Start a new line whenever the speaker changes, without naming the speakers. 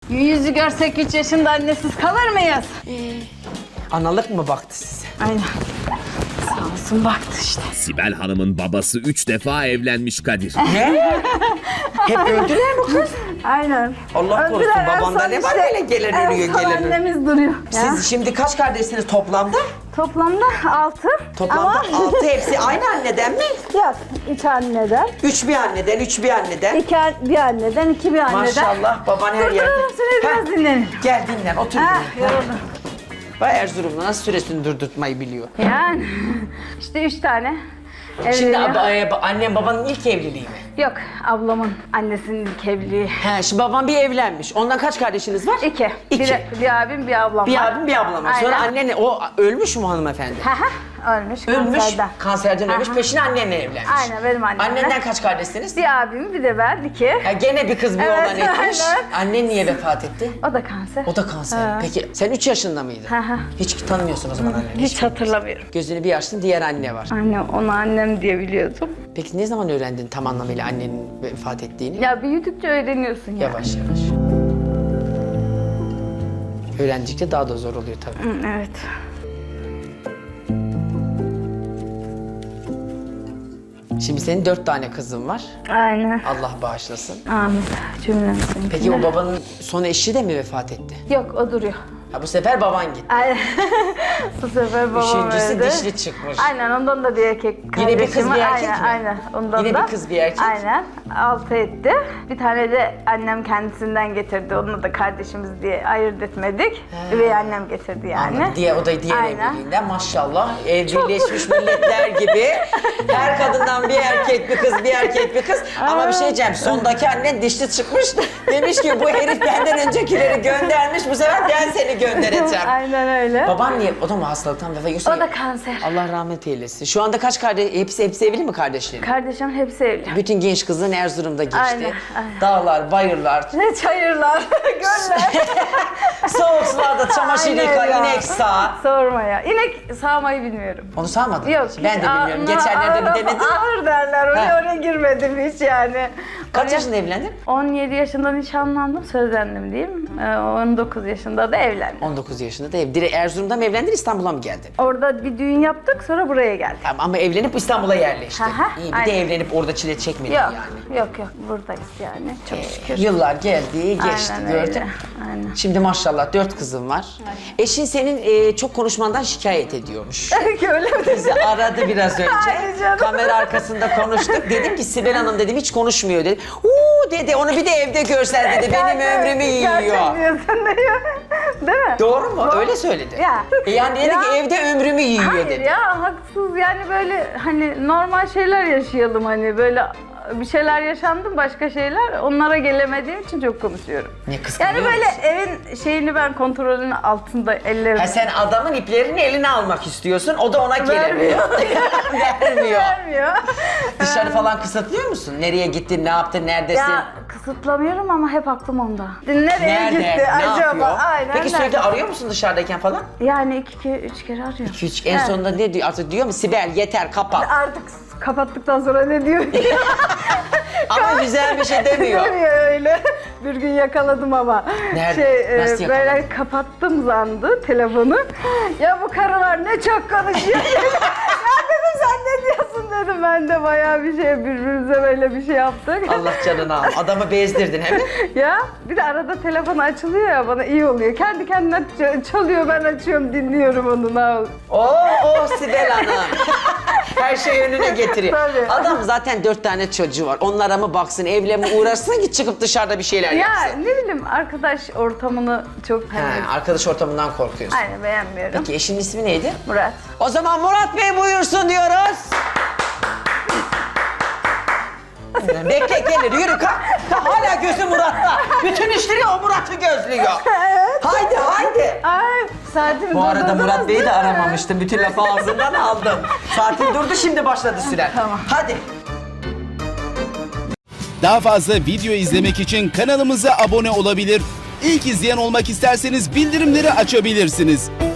Yüzü görsek 3 yaşında annesiz kalır mıyız?
Analık mı baktı size?
Aynen. Sağ olsun baktı işte.
Sibel Hanım'ın babası 3 defa evlenmiş Kadir.
Ne? Hep öldüler mi kız?
Aynen.
Allah korusun,
Öldüler, en
babanda
son
ne var
işte,
böyle gelen
en
ölüyor,
son
gelen ölüyor.
annemiz duruyor. Ya.
Siz şimdi kaç kardeşsiniz toplamda?
Toplamda 6.
Toplamda 6 hepsi aynı anneden mi?
Yok, 3 anneden.
3 bir anneden, 3 bir anneden.
2 bir anneden, 2 bir anneden.
Maşallah baban her yerde.
Durduralım seni biraz
Heh,
dinlenin.
Gel dinlen otur.
Ha,
dinlen.
yoruldum.
Vay Erzurumlu nasıl süresini durdurtmayı biliyor.
Yani işte 3 tane
Şimdi
evleniyor.
annem babanın ilk evliliği mi?
Yok, ablamın annesinin ilk evliliği.
He, şimdi baban bir evlenmiş. Ondan kaç kardeşiniz var?
2.
İki.
Bir abim, bir ablam var.
Bir abim bir ablam var. Sonra
Aynen.
annen o ölmüş mü hanımefendi?
Ölmüş,
Ölmüş,
kanserden.
kanserden ölmüş,
Aha.
peşine annenle evlenmiş.
Aynen, benim annemle.
Annenden kaç kardeşsiniz?
Bir abim, bir de ben, 2.
Ya gene bir kız bir
Evet,
oğlan etmiş.
aynen.
Annen niye vefat etti?
O da kanser.
O da kanser.
Ha.
Peki sen 3 yaşında mıydın?
Hı hı.
Hiç tanımıyorsun o zaman anneni.
Hiç hatırlamıyorum.
Gözünü bir açtın, diğer anne var.
Anne, onu annem diye biliyordum.
Peki ne zaman öğrendin tam anlamıyla annenin vefat ettiğini?
Ya büyüdükçe öğreniyorsun ya.
Yavaş yavaş. Öğrendikçe daha da zor oluyor tabii.
Hı, evet.
Şimdi senin 4 tane kızın var.
Aynen.
Allah bağışlasın.
Amin. Cümlemizin.
Peki o babanın son eşi de mi vefat etti?
Yok, o duruyor.
Ha bu sefer baban gitti.
Aynen. Bu sefer babam
Üçüncüsü
öldü.
dişli çıkmış.
Aynen, ondan da bir erkek
Yine bir kız,
kardeşim var.
bir erkek
aynen,
mi?
Aynen, ondan
Yine
da.
bir kız, bir erkek.
Aynen, 6 etti. Bir tane de annem kendisinden getirdi. Onunla da kardeşimiz diye ayırt etmedik. Üvey annem getirdi yani.
Anladım. O da diğer
Aynen.
evliliğinden maşallah Birleşmiş Milletler gibi her kadından bir erkek bir kız, bir erkek bir kız. Ama bir şey diyeceğim, sondaki annen dişli çıkmış. Demiş ki bu herif benden öncekileri göndermiş, bu sefer ben seni göndereceğim.
Aynen öyle.
Baban niye? O da mı hastalıktan vefat ediyor?
O da kanser.
Allah rahmet eylesin. Şu anda kaç kardeş? Hepsi evli mi kardeşlerin?
Kardeşim hepsi evli.
Bütün genç kızın Erzurum'da geçti.
Aynen, aynen.
Dağlar, bayırlar,
Ne çayırlar, göller.
soğuk sularda çamaşır
Aynen
yıka,
ya.
inek sağ.
Sorma ya. İnek sağmayı bilmiyorum.
Onu sağmadın mı
Yok.
hiç? Ben de bilmiyorum. Geçenlerde bir denedim.
Ağır derler. Oraya girmedim hiç yani.
Kaç
Oraya-
yaşında evlendin?
17 yaşında nişanlandım, sözlendim diyeyim. 19 yaşında da evlendim.
19 yaşında da ev. Direkt Erzurum'da mı evlendin, İstanbul'a mı geldin?
Orada bir düğün yaptık, sonra buraya geldik.
Tamam, ama evlenip İstanbul'a yerleştin.
Aha,
İyi, bir de
aynen.
evlenip orada çile çekmedin
Yok,
yani.
yok, buradayız yani. Çok şükür.
Yıllar geldi, geçti,
Aynen
gördün.
öyle, aynen.
Şimdi maşallah 4 kızın var. Eşin senin çok konuşmandan şikayet ediyormuş.
Öyle mi?
Bizi aradı biraz önce.
Ay canım.
Kamera arkasında konuştuk. Dedim ki Sibel Hanım dedim hiç konuşmuyor dedi. Uuu dedi onu bir de evde görsen dedi benim ömrümü yiyor.
Gerçek diyorsun diyor. Değil mi?
Doğru mu? Öyle söyledi.
Ya.
Yani dedi
Ya.
ki evde ömrümü yiyor
Hayır
dedi.
ya, haksız yani, böyle hani normal şeyler yaşayalım, hani böyle bir şeyler yaşandı, başka şeyler, onlara gelemediğim için çok konuşuyorum.
Ne kıskanıyor
Yani böyle
musun?
evin şeyini ben kontrolün altında ellerim.
Ha sen adamın iplerini eline almak istiyorsun, o da ona gelemiyor. Vermiyor.
Vermiyor.
Dışarı falan kısıtlıyor musun? Nereye gittin, ne yaptın, neredesin?
Ya kısıtlamıyorum ama hep aklım onda. Nereye
Nerede,
gitti
ne
acaba?
yapıyor?
Aynen.
Peki
nerede?
sürekli arıyor musun dışarıdayken falan?
Yani 2-3 kere arıyor.
Hiç en
Evet.
sonunda ne diyor? Artık diyor mu Sibel yeter kapat.
Artık kapattıktan sonra ne diyor?
Ama güzel bir şey demiyor.
Demiyor öyle. Bir gün yakaladım ama.
Nerede? Nasıl
Böyle
yakaladın?
kapattım zandı telefonu. Ya bu karılar ne çok konuşuyor. Ya dedim, sen ne diyorsun dedim. Ben de bayağı bir şey, birbirimize böyle bir şey yaptık.
Allah canını al. Adamı bezdirdin hemen.
Ya bir de arada telefon açılıyor ya, bana iyi oluyor. Kendi kendine çalıyor, ben açıyorum, dinliyorum onu.
Oo Sibel Hanım. Her şeyi önüne getiriyor.
Tabii.
Adam zaten 4 tane çocuğu var. Onlara mı baksın, evle mi uğraşsın ki çıkıp dışarıda bir şeyler
Ya
yapsın.
ne bileyim, arkadaş ortamını çok
Arkadaş ortamından korkuyorsun.
aynen beğenmiyorum.
Peki eşinin ismi neydi?
Murat.
O zaman Murat Bey buyursun diyoruz. Bekle gelir yürü kalk. Hala gözü Murat'ta. Bütün işleri o Murat'ı gözlüyor.
Evet.
Haydi.
Ay, saatimi
Bu arada
durdurdunuz
Murat Bey'i
değil
de
mi?
aramamıştım. Bütün lafı ağzından aldım. Saatin durdu şimdi başladı süren.
Tamam.
Hadi.
Daha fazla video izlemek için kanalımıza abone olabilir. İlk izleyen olmak isterseniz bildirimleri açabilirsiniz.